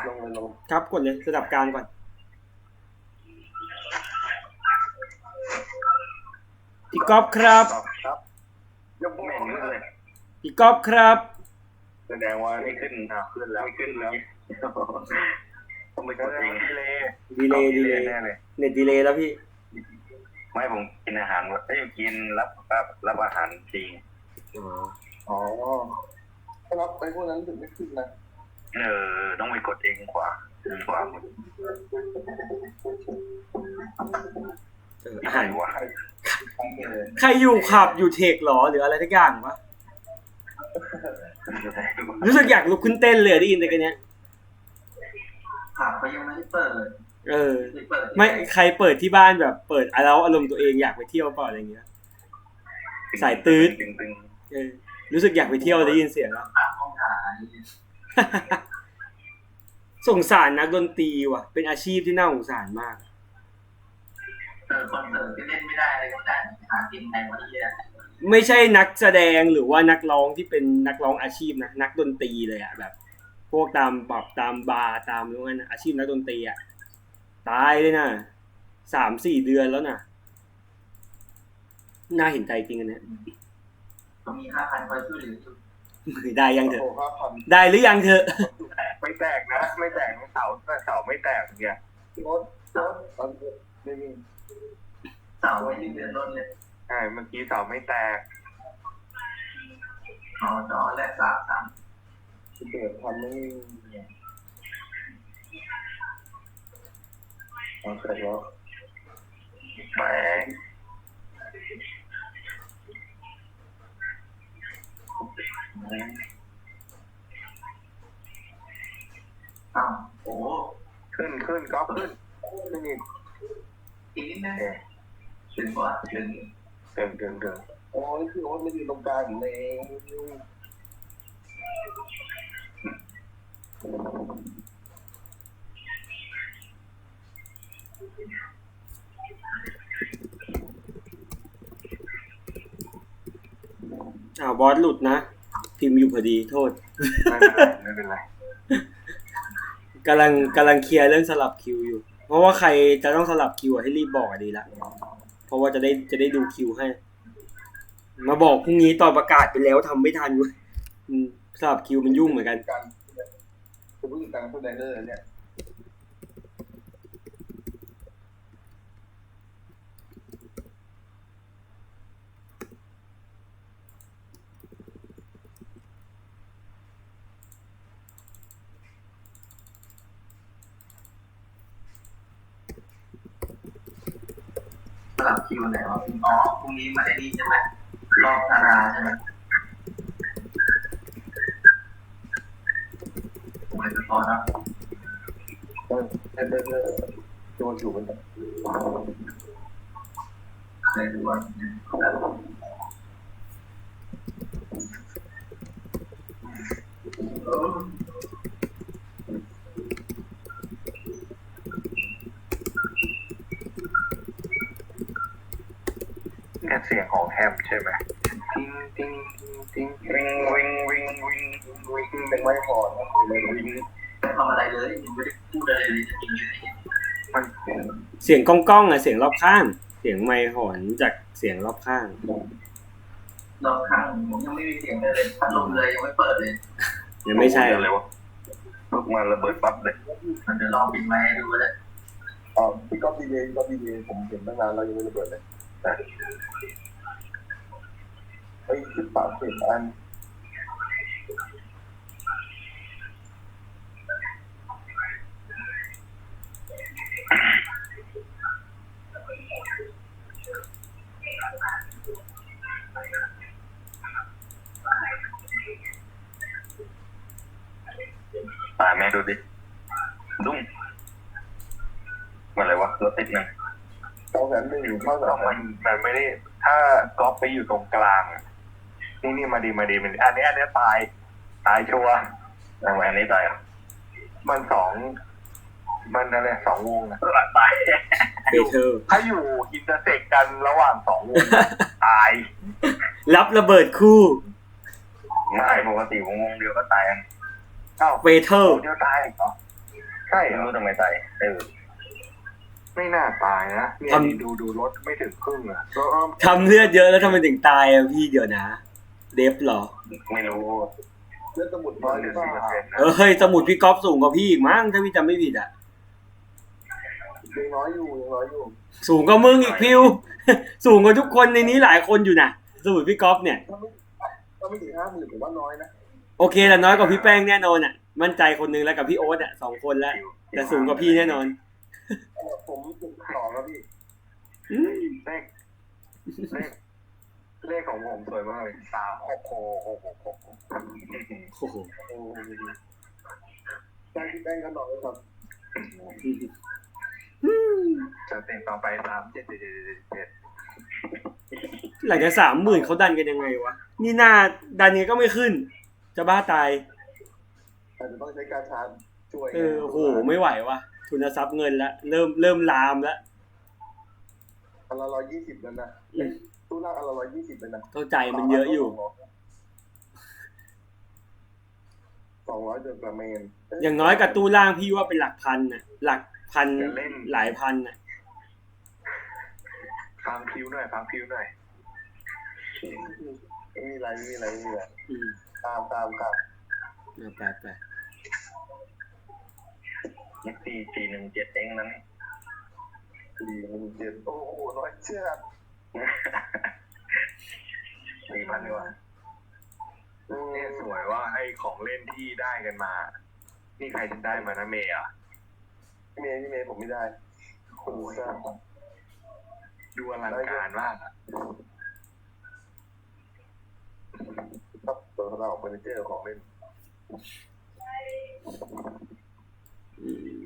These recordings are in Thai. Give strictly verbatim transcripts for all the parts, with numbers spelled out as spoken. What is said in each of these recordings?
ลงเลยลงครับกดเลยระดับกลางก่อนพี่ก๊อฟครับครับยังไม่เห็นเลยพี่ก๊อฟครับแสดงว่าไม่ขึ้นอ่ะขึ้นแล้วไม่ขึ้นแล้วต้องไปกดเองดีเลย์ดีเลย์แน่เลยเน็ตดีเลย์แล้วพี่ไม่ผมกินอาหารเอ้ยกินรับรับรับอาหารจริงอ๋อถ้ารับไปพวกนั้นถึงไม่ขึ้นนะเออต้องไปกดเองกว่าดีกว่าอาหารว่าใครอยู่ขับอยู่เทคหรอหรืออะไรทุกอย่างวะรู้สึกอยากลุกขึ้นเต้นเลยได้ยินแต่กันเนี้ยขับไปยังไม่ได้เปิดเออไม่ใครเปิดที่บ้านแบบเปิดแล้วอารมณ์ตัวเองอยากไปเที่ยวเปล่าอะไรเงี้ยสายตื้ดเออรู้สึกอยากไปเที่ยวได้ยินเสียงแล้วสงสารนักดนตรีว่ะเป็นอาชีพที่น่าสงสารมากเออคอนเสิร์ตที่เล่นไม่ได้อะไรก็ได้หากินแทนวันนี้แหละไม่ใช่นักแสดงหรือว่านักร้องที่เป็นนักร้องอาชีพนะนักดนตรีเลยอ่ะแบบพวกตามปอบตามบาร์ตามนู้นนะอาชีพนักดนตรีอ่ะตายเลยนะสามสี่เดือนแล้วนะน่าเห็นใจจริงอันเนี้ยก็มีห้าพันคอยช่วยเหลือได้ยังเถอะได้หรือยังเถอะไม่แตกนะไม่แตกเสาเสาไม่แตกเนี่ยรถรถตอนไม่มีเสาไม่เดือดร้อนเลยใช่เมื่อกี้เสาไม่แตกอ๋อจอและสามสามเกิดทำไม่อ๋อเสร็จแล้วแหมอ้าวโอ้ขึ้นขึ้นก็ขึ้นขึ้นอีกอีกนิดนึงถึงกว่าถึงถึงถึงถึงโอ้ยคือโอ้ยไม่อยู่ตรงกลางอยู่เองอ้าวบอสหลุดนะพิมพ์อยู่พอดีโทษไม่เป็นไรไม่เป็นไรกำลังกำลังเคลียร์เรื่องสลับคิวอยู่เพราะว่าใครจะต้องสลับคิวให้รีบบอกดีละเพราะว่าจะได้จะได้ดูคิวให้มาบอกพรุ่งนี้ตอนประกาศไปแล้วทำไม่ทันเว้ยสลับคิวมันยุ่งเหมือนกันการจะพูดถึงการพูดไดเนอร์เนี่ยสลับคิวไหนวะอ๋อพรุ่งนี้มาได้ดีใช่ไหมรอบธาราใช่ไหมผมเลยจะพอนะเออเออเออโจนอยู่มันในดูว่าเสียงของแฮมใช่ไหมติ้งติ้งติ้งติ้งวิงวิงวิงวิงวิงเป็นไม้พอนะเลยวิงไม่ทำอะไรเลยยังไม่ได้พูดอะไรเลยจะกินมันเสียงก้องก้องอะเสียงรอบข้างเสียงไมค์หอนจากเสียงรอบข้างรอบข้างผมยังไม่มีเสียงเลยพัดลมเลยยังไม่เปิดเลยยังไม่ใช่เลยวะลูกมาระเบิดปั๊บเลยมันจะลองปิดไมค์ดูเลยอ๋อพี่ก๊อฟดีเองก๊อฟดีเองผมเห็นตั้งนานแล้วยังไม่ระเบิดเลยไปขึ้นปากเสียงอันตายแม่ดูดิดุ้งอะไรวะรถติดนะเท่ากันหนึ่งเท่ากับมันมันไม่ได้ถ้าก๊อฟไปอยู่ตรงกลางนี่นี่มาดีมาดีมันอันนี้อันนี้ตายตายชัวร์ทำไมอันนี้ตายอ่ะมันสองมันอะไรสองวงนะตายถ้าอยู่อินเตอร์เซ็กกันระหว่างสองวงตายรับระเบิดคู่ไม่ปกติวงวงเดียวก็ตายอ้าวเวเทอร์เดียวตายเหรอใช่ไม่รู้ทำไมตายเออไม่น่าตายนะเนี่ยดูดูรถไม่ถึงครึ่งอ่ะทำเลือดเยอะแล้วทำไมถึงตายอ่ะพี่เดี๋ยวนะ เดฟเหรอไม่รู้เลือดสมุดน้อยหรือสี่เปอร์เซ็นต์นะเออเฮ้ยสมุดพี่ก๊อฟสูงกว่าพี่อีกมั้งถ้าพี่จำไม่ผิดอ่ะยังน้อยอยู่ยังน้อยอยู่สูงกว่ามึงอีกพิว สูงกว่าทุกคนในนี้หลายคนอยู่นะสมุดพี่ก๊อฟเนี่ยถ้าไม่ถ้าไม่ถึงห้าหมื่นผมว่าน้อยนะโอเคแต่น้อยกว่าพี่แป้งแน่นอนอ่ะ มั่นใจคนนึงแล้วกับพี่โอ๊ตอ่ะสองคนแล้วแต่สูงกว่าพี่แน่นอนผมถึงสองแล้วพี่อืมเลขเลขเลขของผมสวยมากเลยสามหกหกหกหกหกโอ้โหแป้งที่แป้งก็น้อยครับจะเต็มต่อไปสามเจ็ดเจ็ดเจ็ดเจ็ดเจ็ดหลังจากสามหมื่นเขาดันกันยังไงวะ นี่หน้าดันยังไงก็ไม่ขึ้น จะบ้าตายอาจจะต้องใช้การชาร์จช่วยเออโอ้โหไม่ไหววะทุนทรัพย์เงินละเริ่มเริ่มลามแล้วอันละร้อยยี่สิบแล้วนะตู้ล่างอันละร้อยยี่สิบเลยนะเข้าใจมันเยอะอยู่สองร้อยเดือนประเมนอย่างน้อยกับตู้ล่างพี่ว่าเป็นหลักพันน่ะ หลักพันหลายพันน่ะฟังคิวหน่อยฟังคิวหน่อยไม่มีอะไรไม่มีอะไรไม่มีอะไรอืมตามตามครับเอาไปไปยี่สี่สี่หนึ่งเจ็ดเองนั้นสี่หนึ่งเจ็ดโอ้โหน้อยเชื่อสี่พันดีกว่าเนี่ยสวยว่าไอ้ของเล่นที่ได้กันมา นี่ใครจะได้มานะเมย์อ่ะเมย์พี่เมย์ผมไม่ได้โอ้ยดูอลังการมากอ่ะครับตัวเราเฟอร์นิเจอร์ของเล่นอืม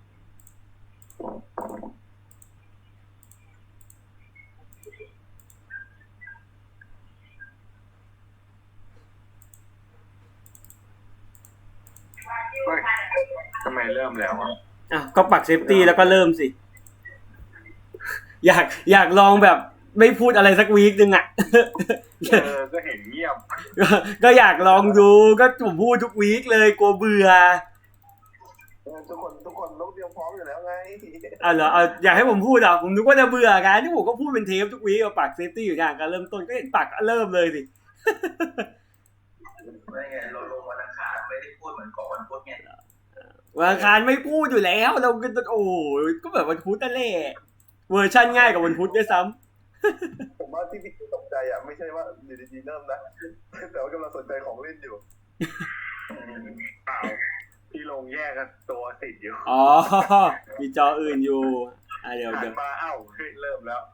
เฮ้ยทำไมเริ่มแล้วอ่ะอ่ะก็ปักเซฟตี้แล้วก็เริ่มสิ อยากอยากลองแบบไม่พูดอะไรสักวีคนึงอ่ะเออก็เห็นเงียบก็ก็อยากลองดูก็ผมพูดทุกวีคเลยกลัวเบื่อทุกคนทุกคนต้องเตรียมพร้อมอยู่แล้วไงอ่ะเหรอเอาอยากให้ผมพูดอ่ะผมนึกว่าจะเบื่อกันที่ผมก็พูดเป็นเทปทุกวีคเอาปักเซฟตี้อยู่อย่างการเริ่มต้นก็เห็นปักเริ่มเลยสิไม่ไงเราลงวันอังคารไม่ได้พูดเหมือนก่อนวันพุธไงวันอังคารไม่พูดอยู่แล้วเราก็โอ้ยก็แบบวันพุธนั่นแหละเวอร์ชั่นง่ายกว่าวันพุธด้วยซ้ำผมว่าที่พี่ตกใจอ่ะไม่ใช่ว่าอยู่ดีๆเริ่มนะแต่ว่ากำลังสนใจของเล่นอยู่เปล่าพี่ลงแยกกันตัวติดอยู่อ๋อมีจออื่นอยู่อ่ะเดี๋ยวหัเดี๋นยวมาเอ้าเฮ้ยเริ่มแล้ว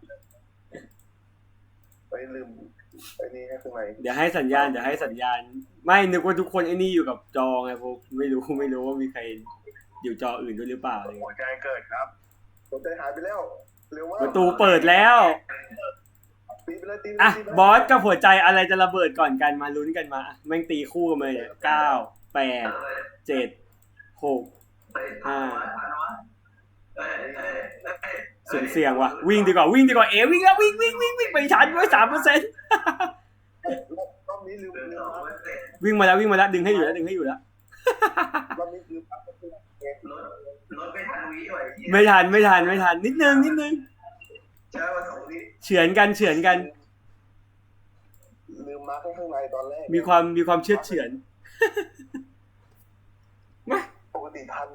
ไปลืมไอ้นี่ให้ข้างในเดี๋ยวให้สัญญาณเดี๋ยวให้สัญญาณ ไม่นึกว่าทุกคนไอ้นี่อยู่กับจอไงผมไม่รู้ไม่รู้ว่ามีใครอยู่จออื่นด้วยหรือเปล่าอะไรหัวใจเกิดครับหัวใจหายไปแล้วเร็วมากประตูเปิดแล้วตีไปเลยตีไปเลยอ่ะตีไปเลยบอสกับหัวใจอะไรจะระเบิดก่อนกันมาลุ้นกันมาอ่ะแม่งตีคู่กันมาเลยเก้าแปดเจ็ดหกห้าเอ้ยเอ้ยเอ้ยเสียงเสียงว่ะวิ่งดีกว่าวิ่งดีกว่าเอวิ่งแล้ววิ่งวิ่งวิ่งวิ่งไปทันด้วยสามเปอร์เซ็นต์รอบนี้ลืมลืมนะวิ่งมาแล้ววิ่งมาแล้วดึงให้อยู่แล้วดึงให้อยู่แล้วรอบนี้ลืมนะรถรถไม่ทันวิไว้ไม่ทันไม่ทันไม่ทันนิดนึงนิดนึงใช่ว่าสองวิเฉือนกันเฉือนกันลืมมาข้างในตอนแรกมีความมีความเชื่อเฉือนปกติทัน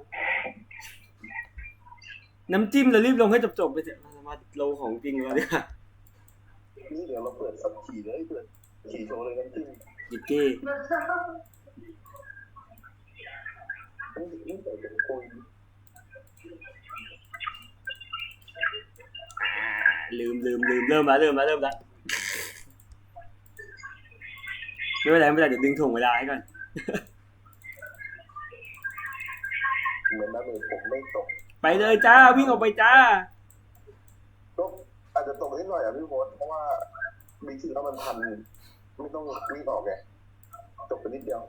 น้ำจิ้มเรารีบลงให้จบๆไปเถอะมาลงของจริงแล้วเนี่ยนี่เดี๋ยวเราเปิดสับขี่เลยเปิดขี่โชว์เลยน้ำจิ้มยิกเก้นี่นี่เปิดเป็นคุยลืมลืมลืมเริ่มแล้วเริ่มแล้วเริ่มแล้วไม่เป็นไรไม่เป็นไรเดี๋ยวดึงถ่วงเวลาให้ก่อนเหมือนน้ำเมผมไม่ตกไปเลยจ้าวิ่งออกไปจ้าก็อาจจะตกนิดหน่อยอ่ะพี่โบ๊ทเพราะว่ามีชื่อแล้วมันทันไม่ต้องวิ่งออกไงตกไปนิดเดียว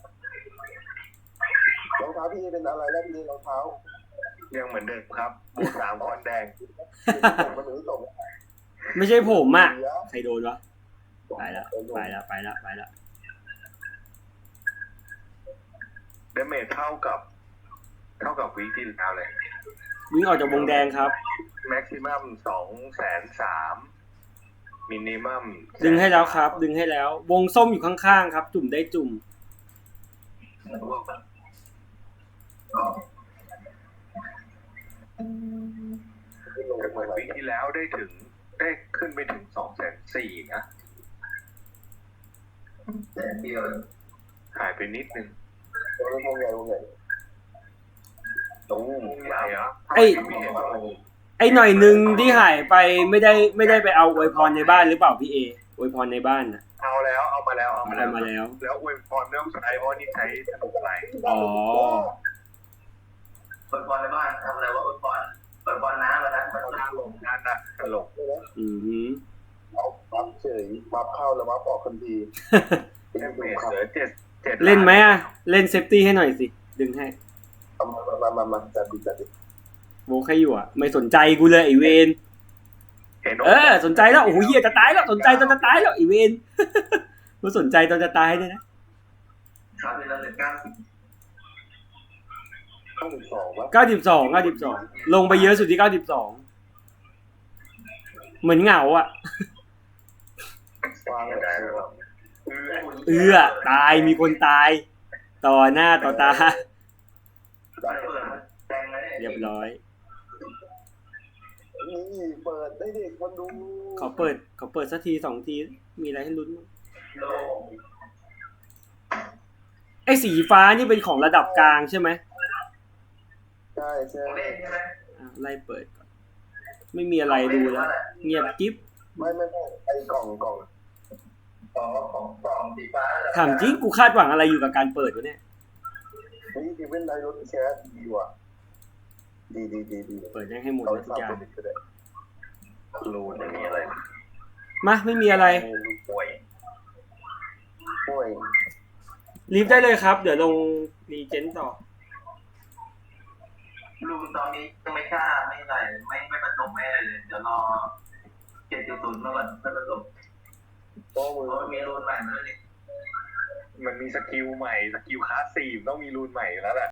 รองเท้าพี่เป็นอะไรแล้วพี่รองเท้ายังเหมือนเดิมครับบวกสามคอนแดงมันถึงตกไม่ใช่ผมอ่ะใครโดนวะไปแล้วไปแล้วไปแล้วไปแล้วเดเมจเท่ากับเท่ากับวีคที่แล้วเลยวิ่งออกจากวงแดงครับแม็กซิมัมสองแสนสามมินิมัมดึงให้แล้วครับ ดึงให้แล้ว วงส้มอยู่ข้างๆครับ จุ่มได้จุ่มแต่เหมือนวีคที่แล้วได้ถึงได้ขึ้นไปถึงสองแสนสี่นะแต่เดียวหายไปนิดนึงวงใหญ่วงใหญ่ตรงใหญ่เหรอไอ้ไม่เห็นว่าไอ้หน่อยหนึ่งที่หายไปไม่ได้ไม่ได้ไปเอาอวยพรในบ้านหรือเปล่าพี่เออวยพรในบ้านน่ะเอาแล้วเอามาแล้วเอามาเอาแล้วมาแล้วแล้วอวยพรไม่ต้องใช้เพราะนี่ใช้สนุกอะไรอ๋อเปิดบอลในบ้านทำอะไรวะเปิดบอลเปิดบอลน้ำแล้วนะเปิดน้ำลงงานน่ะตลกอือหือเอาบัฟเฉยบัฟเข้าแล้วบัฟออกทันทีแค่เมสเหลือเจ็ดเจ็ดเล่นไหมอ่ะ เล่นเซฟตี้ให้หน่อยสิ ดึงให้เอามามามามาจัดดิจัดดิโวกให้อยู่อ่ะ ไม่สนใจกูเลยไอเวนเห็นเออ สนใจแล้ว โอ้โหเฮียจะตายแล้ว สนใจตอนจะตายแล้วไอเวน มาสนใจตอนจะตายด้วยนะครับเป็นระดับเก้าสิบเข้าหนึ่งสองวะเก้าสิบสอง เก้าสิบสอง ลงไปเยอะสุดที่เก้าสิบสอง เหมือนเหงาอ่ะวางไม่เลยได้หรอกเอื้อตาย มีคนตาย ต่อหน้าต่อตาได้เปิดแดงเลยเรียบร้อยนี่เปิดได้เด็กคนดูขอเปิด ขอเปิดสักทีสองที มีอะไรให้ลุ้นบ้างโลไอ้สีฟ้านี่เป็นของระดับกลางใช่ไหมใช่ใช่เล่นใช่ไหมอ่ะไล่เปิดก่อน ไม่มีอะไรดูแล้ว เงียบกิ๊บไม่ไม่ไม่ไอ้กล่องกล่องของของของสีฟ้าถามจริงกูคาดหวังอะไรอยู่กับการเปิดวะเนี่ยนี่ที่เป็นไดรถแคสดีว่ะดีดีดีดีเปิดยังให้หมดเอาเลยทุกฟังอย่างเป็นอีกก็ได้รูนไม่มีอะไรมาไม่มีอะไรรูป่วยห่วยรีบได้เลยครับ เดี๋ยวลงรีเจนต่อลูกตอนนี้ยังไม่กล้าไม่ไหลไม่ไม่ผสมไม่อะไรเลยเดี๋ยวรอเจ็ดจุดศูนย์มาก่อนไม่ผสมโอ้มือเพราะมีรูนใหม่มาแล้วนี่มันมีสกิลใหม่สกิลคลาสสี่ต้องมีรูนใหม่แล้วแหละ